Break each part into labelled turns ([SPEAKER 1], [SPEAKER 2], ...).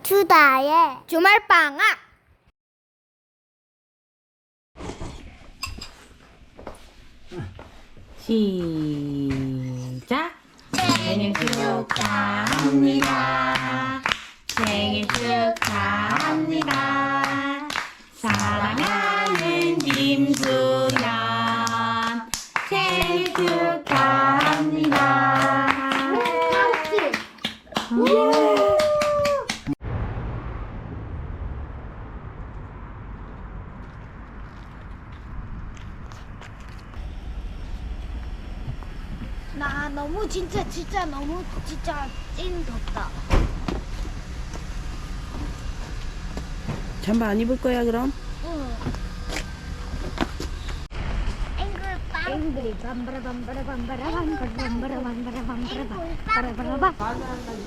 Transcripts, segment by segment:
[SPEAKER 1] 주다의 주말방학.
[SPEAKER 2] 시작. 생일 축하합니다. 생일 축하합니다. 사랑하는 김수연 생일 축하합니다.
[SPEAKER 1] 나 너무 진짜 너무 찐 덥다.
[SPEAKER 2] 잠바 안 입을 거야 그럼?
[SPEAKER 1] 응. 앵글 밤바라 밤바라 밤바라 밤바라 밤바라 밤바라 밤바라 밤바라 밤바라 밤.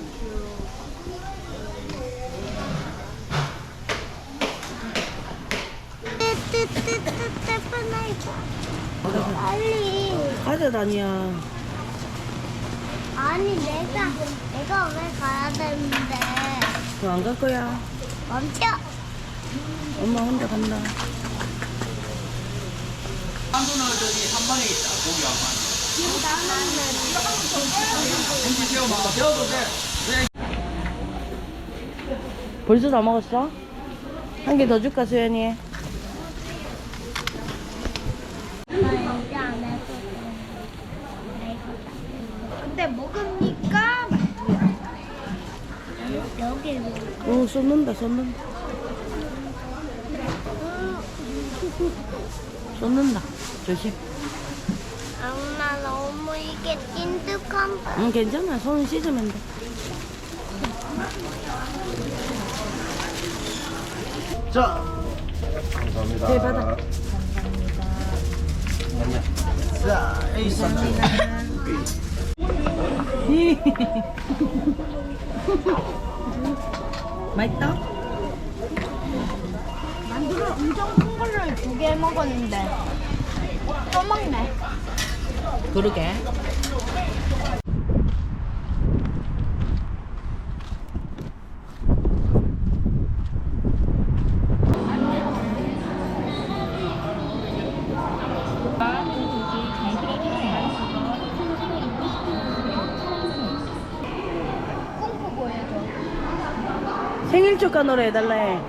[SPEAKER 1] 빨리.
[SPEAKER 2] 가자 다니야.
[SPEAKER 1] 아니 내가 왜 가야 되는데?
[SPEAKER 2] 너 안 갈 거야?
[SPEAKER 1] 멈춰.
[SPEAKER 2] 엄마 혼자 간다.
[SPEAKER 3] 한돈을 저기 한 방에 있다 고기 한 방. 김치 세워봐. 세워도 돼.
[SPEAKER 2] 벌써 다 먹었어? 한 개 더 줄까 수연이?
[SPEAKER 1] 근데 먹으니까 여기
[SPEAKER 2] 응 쏟는다. 쏟는다. 조심.
[SPEAKER 1] 엄마 너무 이게 찐득한.
[SPEAKER 2] 응 괜찮아. 손 씻으면 돼.
[SPEAKER 4] 자, 감사합니다.
[SPEAKER 2] 네, 받아.
[SPEAKER 4] 자, A 삼촌.
[SPEAKER 2] 맛있다?
[SPEAKER 1] 만두를 엄청 큰 걸로 2개 먹었는데 또 먹네.
[SPEAKER 2] 그러게. 생일 축하 노래 해달라 해.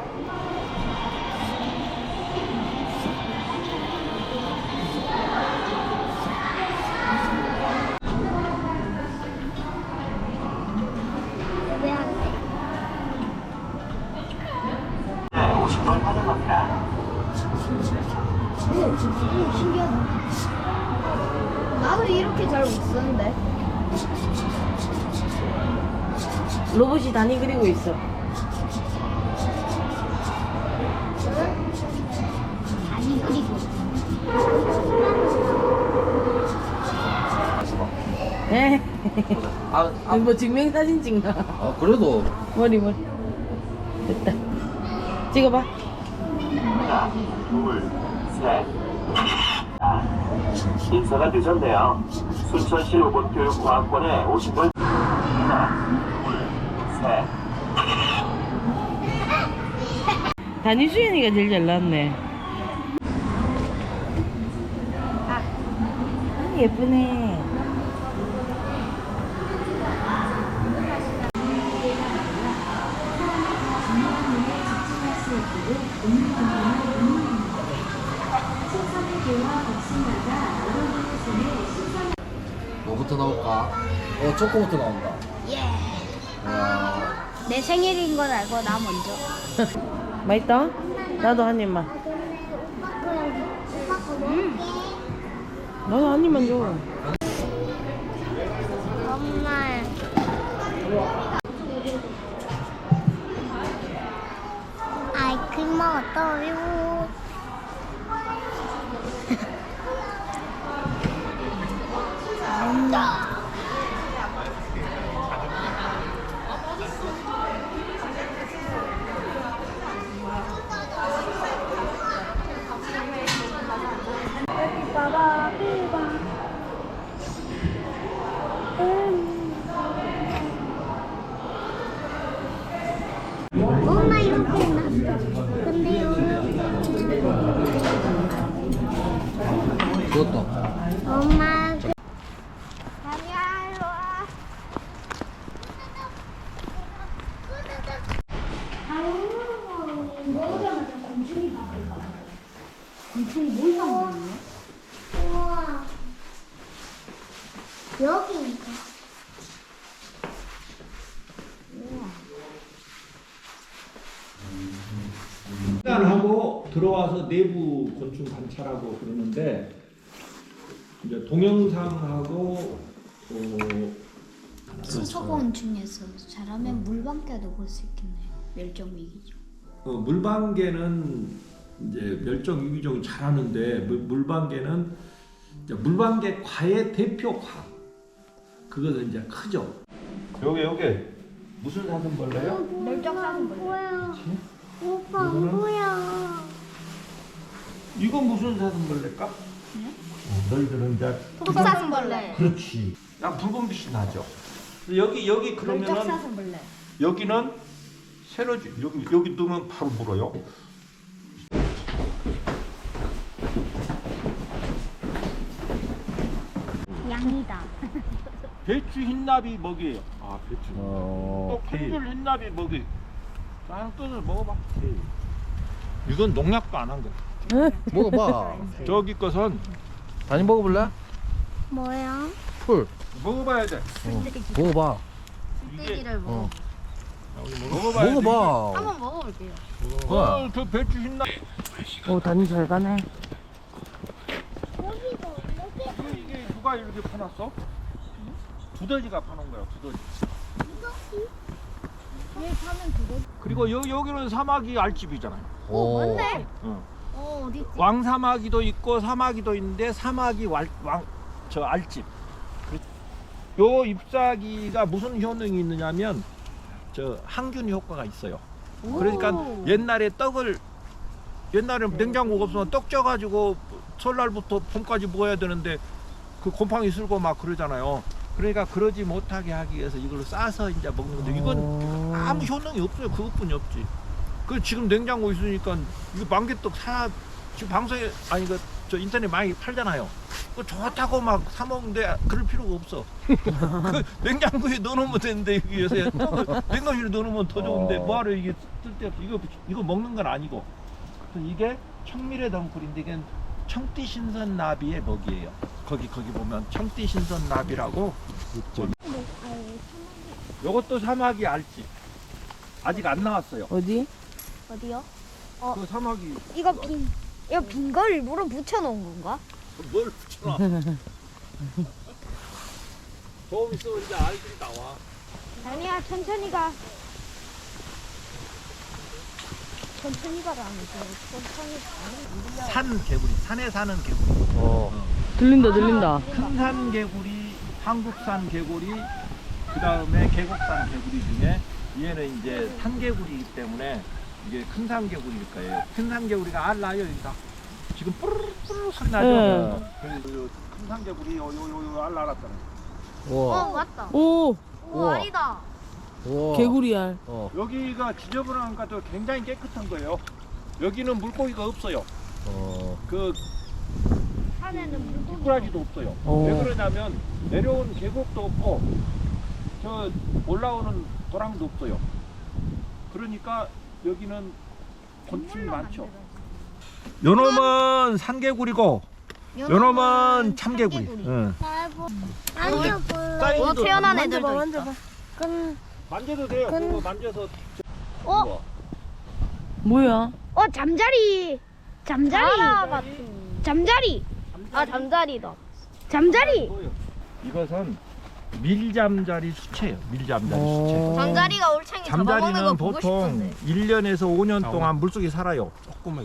[SPEAKER 1] 왜 안 돼? 신기하다. 나도 이렇게 잘 못 쓰는데.
[SPEAKER 2] 로봇이 다니 그리고 있어.
[SPEAKER 1] 아니 그리고
[SPEAKER 2] 에?
[SPEAKER 3] 아,
[SPEAKER 2] 뭐 증명사진 찍나?
[SPEAKER 3] 그래도
[SPEAKER 2] 머리. 됐다. 찍어봐.
[SPEAKER 5] 하나, 둘, 셋. 인사가 늦었네요. 순천시 로봇교육과학원에 오신 분. 하나, 둘, 셋.
[SPEAKER 2] 다니 수연이가 제일 잘 나왔네. 아, 예쁘네.
[SPEAKER 3] 뭐부터 나올까? 초코부터 나온다.
[SPEAKER 1] 예. 내 생일인 건 알고 나 먼저.
[SPEAKER 2] 맛있다? 나도 한 입만. 나도 한 입만 줘.
[SPEAKER 1] 엄마. 아이스크림 먹었어요. 빠바 삐바. 엄마 이렇게 해놨어. 근데요.
[SPEAKER 3] 그것도.
[SPEAKER 1] 엄마. 다니야 일로 와. 먹으자마자 곤충이 나온다. 곤충이 뭘 만들었네? 우와. 여기인가?
[SPEAKER 6] 하고 들어와서 내부 곤충 관찰하고 그러는데 이제 동영상하고
[SPEAKER 1] 초곤충에서 잘하면 물방개도 볼 수 있겠네요. 멸종 위기종.
[SPEAKER 6] 물방개는 이제 멸종 위기종이 잘하는데 물방개는 이제 물방개 과의 대표 과 그것은 이제 크죠. 여기 무슨 사슴벌레요?
[SPEAKER 1] 멸종 사슴벌레. 뭐야? 오빠 안
[SPEAKER 6] 이거는?
[SPEAKER 1] 보여.
[SPEAKER 6] 이건 무슨 사슴벌레일까? 너희들은 이제
[SPEAKER 1] 흑사슴벌레.
[SPEAKER 6] 그렇지. 약 붉은 빛이 나죠. 여기
[SPEAKER 1] 멸종
[SPEAKER 6] 그러면은
[SPEAKER 1] 사슴벌레.
[SPEAKER 6] 여기는 세로지 여기 넣으면 바로 물어요.
[SPEAKER 1] 양이다.
[SPEAKER 6] 배추 흰나비 먹이에요. 아 배추.
[SPEAKER 3] 어.
[SPEAKER 6] 또 콩줄 흰나비 먹이. 딱 뜯어서 먹어봐. 이건 농약도 안 한 거야.
[SPEAKER 3] 먹어봐.
[SPEAKER 6] 저기 것은
[SPEAKER 3] 다니 먹어볼래?
[SPEAKER 1] 뭐야?
[SPEAKER 3] 풀.
[SPEAKER 6] 먹어봐야 돼.
[SPEAKER 3] 먹어봐.
[SPEAKER 1] 떼기를 먹어.
[SPEAKER 6] 먹어봐야 돼.
[SPEAKER 3] 먹어봐.
[SPEAKER 1] 한번 먹어볼게요.
[SPEAKER 3] 뭐야?
[SPEAKER 6] 저 배추 흰나비.
[SPEAKER 2] 오, 다니 잘 가네.
[SPEAKER 6] 이게 누가 이렇게 파놨어? 두더지가 파놓은 거야. 두더지.
[SPEAKER 1] 얘 사면 그거.
[SPEAKER 6] 그리고 여기는 사마귀 알집이잖아요.
[SPEAKER 1] 뭔데?
[SPEAKER 6] 어.
[SPEAKER 1] 어디 있지?
[SPEAKER 6] 왕사마귀도 있고 사마귀도 있는데 사마귀 저 알집. 요 잎사귀가 무슨 효능이 있느냐면 저 항균 효과가 있어요. 그러니까 옛날에 냉장고가 없으면 떡 쪄가지고 설날부터 봄까지 먹어야 되는데 그 곰팡이 쓸고 막 그러잖아요. 그러니까 그러지 못하게 하기 위해서 이걸로 싸서 이제 먹는 건데 이건 아무 효능이 없어요. 그것뿐이 없지. 그 지금 냉장고 있으니까 이거 만개떡 지금 방송에 아니 저 인터넷 많이 팔잖아요. 그 좋다고 막 사 먹는데 그럴 필요가 없어. 그 냉장고에 넣어놓으면 되는데 여기 요새 냉동실에 넣어놓으면 더 좋은데 뭐하러 이게 쓸데없이 이거 먹는 건 아니고. 그래서 이게 청미래 덩굴인데 이게 청띠 신선 나비의 먹이에요. 거기 보면 청띠 신선 나비라고. 요것도 사마귀 알지. 아직 안 나왔어요.
[SPEAKER 2] 어디?
[SPEAKER 1] 어디요?
[SPEAKER 6] 그 사마귀
[SPEAKER 1] 이거 빈 걸 일부러 붙여놓은 건가?
[SPEAKER 6] 뭘 붙여놔. 조금 있으면 이제 알들이 나와.
[SPEAKER 1] 아니야, 천천히 가. 천천히 가라는 거. 천천히 가.
[SPEAKER 6] 산 개구리, 산에 사는 개구리.
[SPEAKER 2] 들린다.
[SPEAKER 6] 큰산 개구리, 한국산 개구리, 그 다음에 계곡산 개구리 중에 얘는 이제 산개구리이기 때문에 이게 큰산 개구리일 거예요. 큰산 개구리가 알 나요, 여기다. 지금 뿌르르 소리 나죠?
[SPEAKER 2] 네.
[SPEAKER 6] 그래서 큰산 개구리 요 알 날았잖아요.
[SPEAKER 3] 우와.
[SPEAKER 1] 맞다.
[SPEAKER 2] 오,
[SPEAKER 3] 우와.
[SPEAKER 1] 알이다.
[SPEAKER 3] 우와.
[SPEAKER 2] 개구리알.
[SPEAKER 6] 여기가 지저분한 것도 굉장히 깨끗한 거예요. 여기는 물고기가 없어요. 그
[SPEAKER 1] 산에는 물고기.
[SPEAKER 6] 미꾸라지도 없어요.
[SPEAKER 2] 오.
[SPEAKER 6] 왜 그러냐면 내려온 계곡도 없고 저 올라오는 도랑도 없어요. 그러니까 여기는 곤충이 많죠. 요놈은 산개구리고 요놈은 참개구리. 응.
[SPEAKER 1] 뭐 태어난 애들도 있다.
[SPEAKER 6] 만져도 돼요. 그거 만져서.
[SPEAKER 1] 어?
[SPEAKER 2] 뭐야?
[SPEAKER 1] 잠자리. 잠자리. 아, 잠자리다. 잠자리.
[SPEAKER 6] 이것은 밀잠자리 수채예요. 밀잠자리 수채.
[SPEAKER 1] 잠자리가 올챙이 잡아먹는 거
[SPEAKER 6] 잠자리는
[SPEAKER 1] 보고
[SPEAKER 6] 보통
[SPEAKER 1] 싶은데.
[SPEAKER 6] 1년에서 5년 동안 물속에 살아요. 조금은.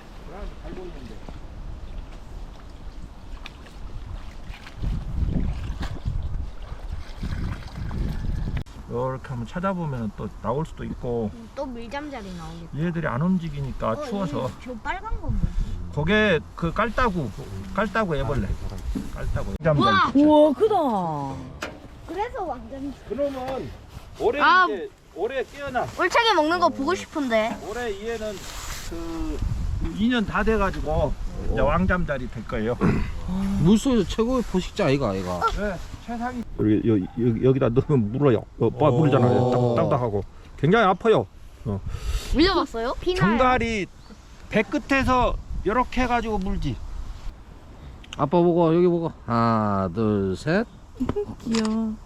[SPEAKER 6] 이렇게 한번 찾아보면 또 나올 수도 있고
[SPEAKER 1] 또 밀잠자리 나오겠다.
[SPEAKER 6] 얘들이 안 움직이니까 추워서
[SPEAKER 1] 저 빨간 건 뭐지?
[SPEAKER 6] 거기에 그 깔따구 애벌레 깔따구 잠자리
[SPEAKER 2] 우와, 크다.
[SPEAKER 1] 그래서 완전
[SPEAKER 6] 그러면 올해
[SPEAKER 1] 아,
[SPEAKER 6] 이제 올해 깨어나.
[SPEAKER 1] 울창이 먹는 거 보고 싶은데.
[SPEAKER 6] 올해 얘는 그 2년 다 돼가지고 이제 왕잠자리 될 거예요.
[SPEAKER 3] 물속에서 최고의 포식자 아이가 아이가.
[SPEAKER 6] 네, 최상위. 여기다 넣으면 물어요. 물잖아요. 딱딱하고 굉장히 아파요.
[SPEAKER 1] 물려봤어요?
[SPEAKER 6] 정갈이 배 끝에서 이렇게 해가지고 물지.
[SPEAKER 3] 아빠 보고 여기 보고 하나 둘 셋.
[SPEAKER 2] 귀여워.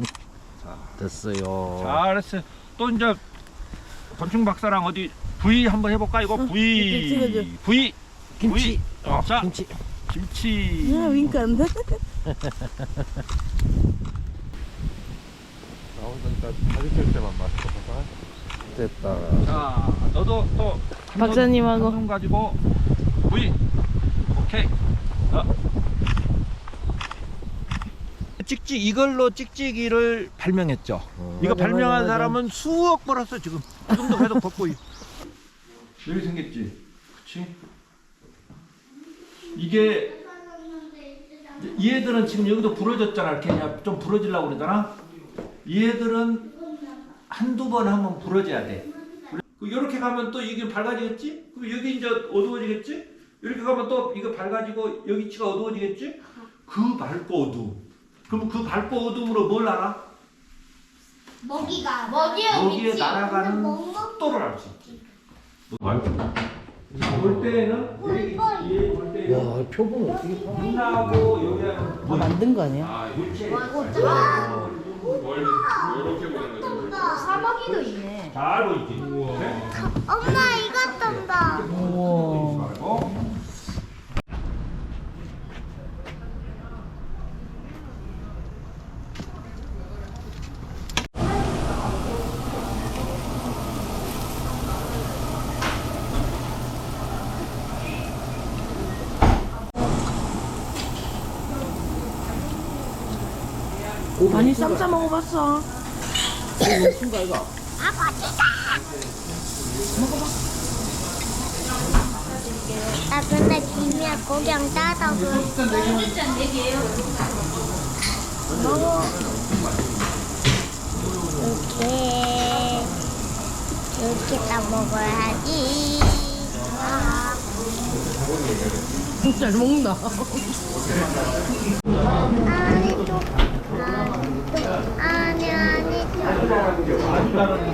[SPEAKER 3] 됐어요.
[SPEAKER 6] 잘했어요. 또 이제 곤충 박사랑 어디 V 한번 해볼까? 이거 V
[SPEAKER 2] 찍어줘.
[SPEAKER 6] V
[SPEAKER 3] 김치.
[SPEAKER 6] V. 자
[SPEAKER 3] 김치.
[SPEAKER 6] 김치.
[SPEAKER 2] 야, 윙크 안 돼?
[SPEAKER 3] 됐다.
[SPEAKER 6] 자 너도 또
[SPEAKER 2] 박사님하고.
[SPEAKER 6] 한번 가지고 V. 오케이. 찍찍 이걸로 찍찍이를 발명했죠. 이거
[SPEAKER 2] 맞아,
[SPEAKER 6] 발명한
[SPEAKER 2] 맞아.
[SPEAKER 6] 사람은 수억 벌었어 지금. 지금도 계속 벗고 있. 여기 생겼지. 그치? 이게 얘들은 지금 여기도 부러졌잖아. 이렇게 그냥 좀 부러지려고 그러잖아. 얘들은 한두 번 하면 부러져야 돼. 이렇게 가면 또 이게 밝아지겠지? 그럼 여기 이제 어두워지겠지? 이렇게 가면 또 이거 밝아지고 여기 치가 어두워지겠지? 그 밝고 어두움. 그럼 그 밝고 어두움으로 뭘 알아? 여기에 날아가는 속도를 알 수 있지. 볼 때는 볼 때는
[SPEAKER 3] 와 표본 어떻게 봐?
[SPEAKER 6] 눈하고 여기하고
[SPEAKER 2] 뭐 만든 거 아니야?
[SPEAKER 1] 사마귀도 있네.
[SPEAKER 6] 잘 보이지?
[SPEAKER 1] 엄마 이것 좀 봐.
[SPEAKER 2] 우와. 아니 쌈 싸 먹어봤어.
[SPEAKER 1] 아 근데 김이야 고경 따다 먹어. 이렇게 따 먹어야지.
[SPEAKER 2] 잘 먹는다.
[SPEAKER 1] 아니 또 아니 또.
[SPEAKER 6] 아니 다른